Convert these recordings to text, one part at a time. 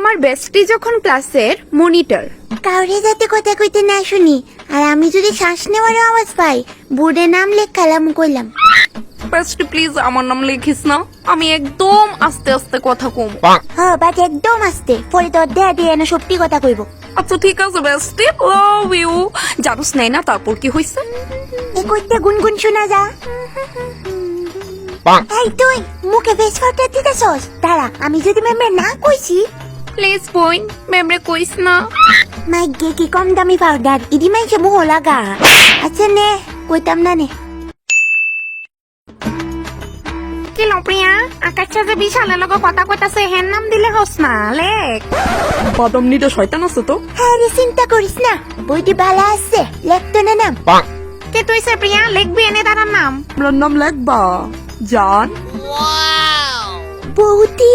আমার বেস্টি যখন ক্লাসের মনিটর। কাউরে যাতে কথা কইতে না শুনি, আর আমি যদি শ্বাস নেওয়ার আওয়াজ পাই বোর্ডে নাম লেখালাম কইলাম। বেস্টি প্লিজ আমার নাম লিখিস না, আমি একদম আস্তে আস্তে কথা কম। হ্যাঁ বাট একদম আস্তে, পরে তোর দেয়া দিয়ে না সত্যি কথা কইব। আচ্ছা ঠিক আছে বেস্টি, লাভ ইউ। জানুস নাই না তারপর কি হইছে? এ কইতে গুনগুন শোনা যা। এই তুই মুখে ফেস ফাটা দিতেছস, দাঁড়া আমি যদি ম্যামে না কইছি। প্লিজ বোন, মেমরে কইস না। মাই গে কি কম দামি পাউডার, ইদি মাইছে মোহ লাগা। আচ্ছা নে কইতাম না নে। কি লপ্রিয়া, আকাশে যে বিশালের লগে কথা কইতাছে হেন নাম দিলে হস না, লেখ। বাদাম নিতে শয়তান আছে তো। হ্যাঁ রে চিন্তা করিস না, বইটি ভালো আছে, লেখতো না নাম। কে তুইছে প্রিয়া, লিখবি এনে তার নাম? আমার নাম লেখবা জান। বৌদি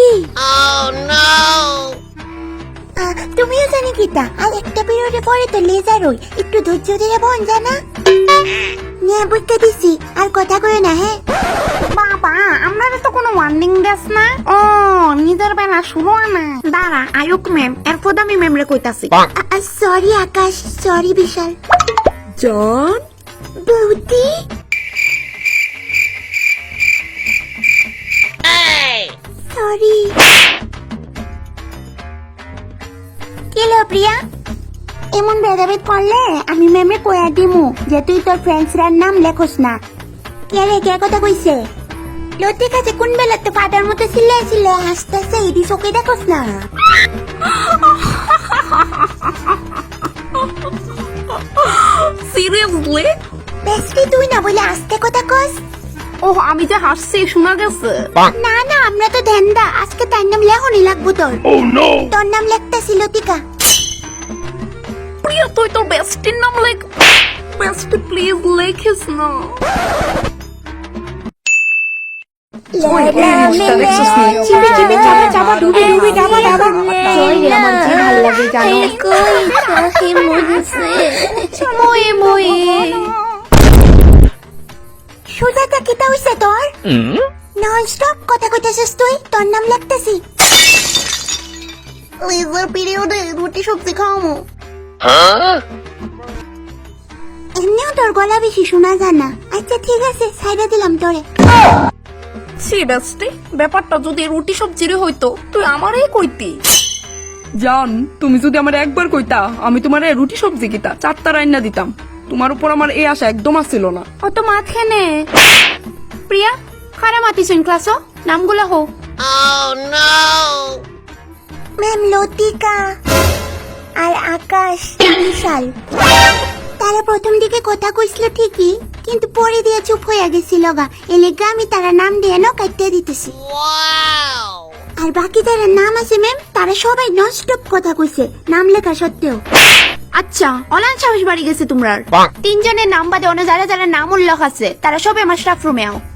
তুমিও জানি গীতা, আর একটা পিরিয়ডে পরে তো লেজার হই, একটু ধৈর্য ধরে বোন জানা। নিয়ে বুঝতে দিছি, আর কথা কই না। হ্যাঁ বাবা, আপনারা তো কোনো ওয়ার্নিং দেস না। ও নিজের বেলা শুরু না। দাঁড়া আয়ুক ম্যাম, এরপর আমি ম্যামরে কইতাছি। Sorry Akash, sorry Bishal. জান বৌদি সরি। কেলো প্রিয়া, এমন ভেদাভেদ করলে আমি ম্যামে কয়া দিমু যে তুই তোর ফ্রেন্ডসরার নাম লেখোস না। কে রে কে কথা কইছে? লতি কাছে কোন বেলা তো ফাটার মতো ছিলে হাসতেছে, এদি চোখে দেখোস না। সিরিয়াসলি? বেস্টি তুই না বলে আস্তে কথা কস। ও আমি যে হাসছি শোনা গেছে। না না আমরা তো ধ্যানদা, আজকে তার নাম লেখনি লাগবো তোর। তোর নাম লেখতাছি লতিকা। প্রিয়া তুই তো বেস্টির নাম লেখ। বেস্টি প্লিজ লেখিস না। সুজাতা কিতা হইছে তোর? নন স্টপ কথা কইতেছিস তুই, তোর নাম লিখতেছি। লেজার পিরিয়ডে রুটি সবজি খাওয়ামো। এমনিও তোর গলা বেশি শোনা যায় না। আচ্ছা ঠিক আছে, ছাইড়া দিলাম তোরে। ছি বেস্টি, ব্যাপারটা যদি রুটি সবজিরে হইতো তুই আমারই কইতি। জান তুমি যদি আমার একবার কইতা আমি তোমারে রুটি সবজি কিতা চারটা রান্না দিতাম। তোমার উপর আমার এই আশা একদম আসছিল না। ও তো মাথেনে। প্রিয়া খারা মাতিছেন ক্লাসো, নামগুলা হো। ম্যাম লতিকা আর আকাশ বিশাল। তারা প্রথম দিকে কথা কইছিল ঠিকই, কিন্তু পরে দিয়ে চুপ হয়ে গেছিল গা। এলেগা আমি তারা নাম দিয়ে না কাটতে দিতেছি। আর বাকি যারা নাম আছে ম্যাম, তারা সবাই ননস্টপ কথা কইছে নাম লেখা সত্ত্বেও। আচ্ছা অলান সাহস বাড়ি গেছে তোমরা। তিনজনের নাম বাদে অন্য যারা যারা নাম উল্লেখ আছে তারা সবাই আমার স্টাফ রুমে আও।